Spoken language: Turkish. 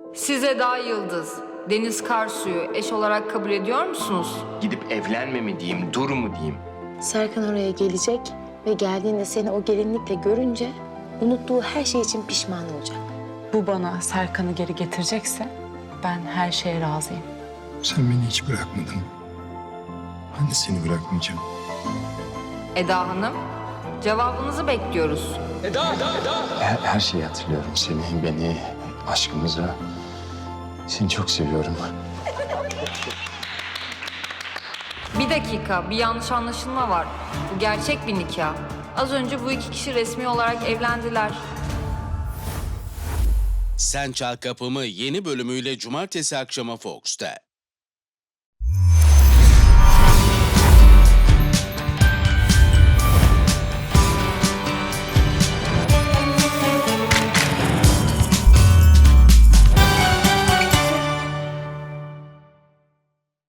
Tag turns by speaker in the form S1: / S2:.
S1: Siz Eda Yıldız, Deniz Karsu'yu eş olarak kabul ediyor musunuz?
S2: Gidip evlenme mi diyeyim, dur mu diyeyim?
S3: Serkan oraya gelecek ve geldiğinde seni o gelinlikle görünce unuttuğu her şey için pişman olacak.
S4: Bu bana Serkan'ı geri getirecekse ben her şeye razıyım.
S5: Sen beni hiç bırakmadın. Ben de seni bırakmayacağım.
S1: Eda Hanım, cevabınızı bekliyoruz.
S5: Her şeyi hatırlıyorum. Seni, beni, aşkımızı. Seni çok seviyorum.
S1: Bir dakika, bir yanlış anlaşılma var. Bu gerçek bir nikah. Az önce bu iki kişi resmi olarak evlendiler.
S6: Sen Çal Kapımı yeni bölümüyle cumartesi akşamı Fox'ta.